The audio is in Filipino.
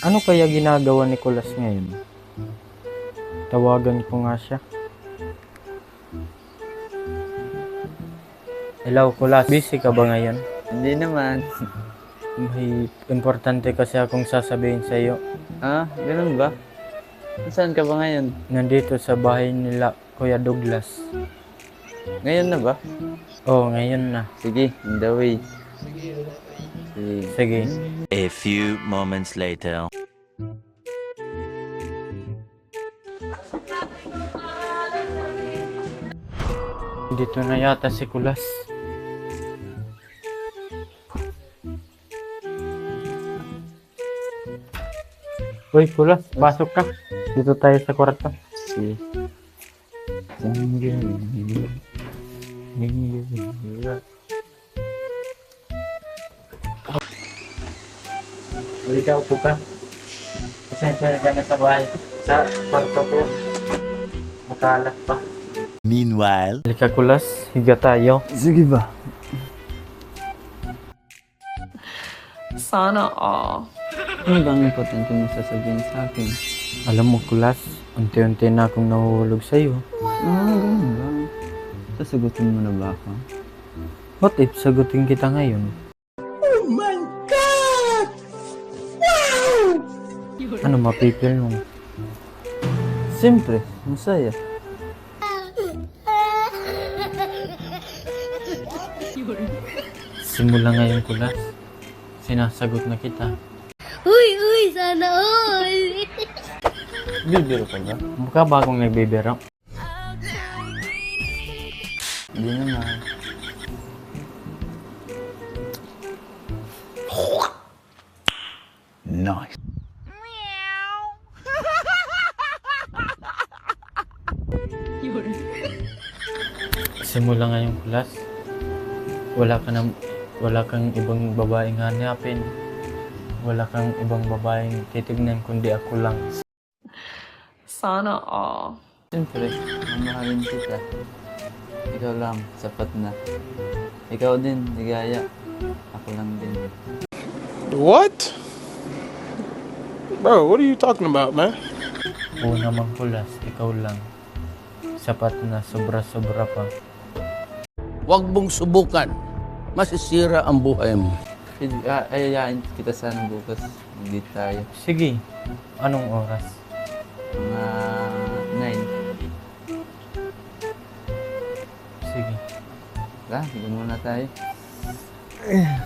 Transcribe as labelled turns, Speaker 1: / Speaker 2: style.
Speaker 1: Ano kaya ginagawa ni Kulas ngayon? Tawagan ko nga siya. Hello, Kulas. Busy ka ba ngayon?
Speaker 2: Hindi naman.
Speaker 1: May importante kasi akong sasabihin sa iyo.
Speaker 2: Ah, ganun ba? Saan ka ba ngayon?
Speaker 1: Nandito sa bahay nila, Kuya Douglas.
Speaker 2: Ngayon na ba?
Speaker 1: Oh, ngayon na.
Speaker 2: Sige, in the way. Sige.
Speaker 1: Sige.
Speaker 3: A few moments later.
Speaker 1: Dito na yata si Kulas. Uy, Kulas, pasok ka. Dito tayo sa kwarto.
Speaker 2: Sige.
Speaker 1: Halika, upo ka. Pasensya ka na sa bahay. Sa kwarto ko. Makalat pa.
Speaker 3: Meanwhile,
Speaker 1: Halika, Kulas. Higa tayo.
Speaker 2: Sige ba?
Speaker 4: Sana all.
Speaker 2: Ano bang importante mo sasabihin sa akin?
Speaker 1: Alam mo, Kulas, unti-unti na akong nahuhulog sa'yo.
Speaker 2: Ah, ganun ba? Sasagutin mo na ba ako?
Speaker 1: What if sagutin kita ngayon? Ano mapipil mo?
Speaker 2: Siyempre, masaya.
Speaker 1: Simula ngayon, Kulas. Sinasagot na kita.
Speaker 5: Uy, sana all!
Speaker 2: Bibiro ka ba?
Speaker 1: Mukha ba akong nagbibiro?
Speaker 2: Hindi naman.
Speaker 3: nice.
Speaker 1: Simula ngayon, Kulas. Wala kang ibang babaeng hanapin. Wala kang ibang babaeng titignan kundi ako lang.
Speaker 4: Sana all.
Speaker 2: Siyempre, mamahalin kita. Ikaw lang, sapat na. Ikaw din, ligaya. Ako lang din.
Speaker 6: What? Bro, what are you talking about, man?
Speaker 1: Oo naman, Kulas. Ikaw lang. Sapat na, sobra-sobra pa.
Speaker 7: Huwag mong subukan. Masisira ang buhay mo.
Speaker 2: Ayayain kita sana bukas. Hindi tayo.
Speaker 1: Sige. Anong oras?
Speaker 2: Mga 9.
Speaker 1: Sige.
Speaker 2: Sige muna tayo.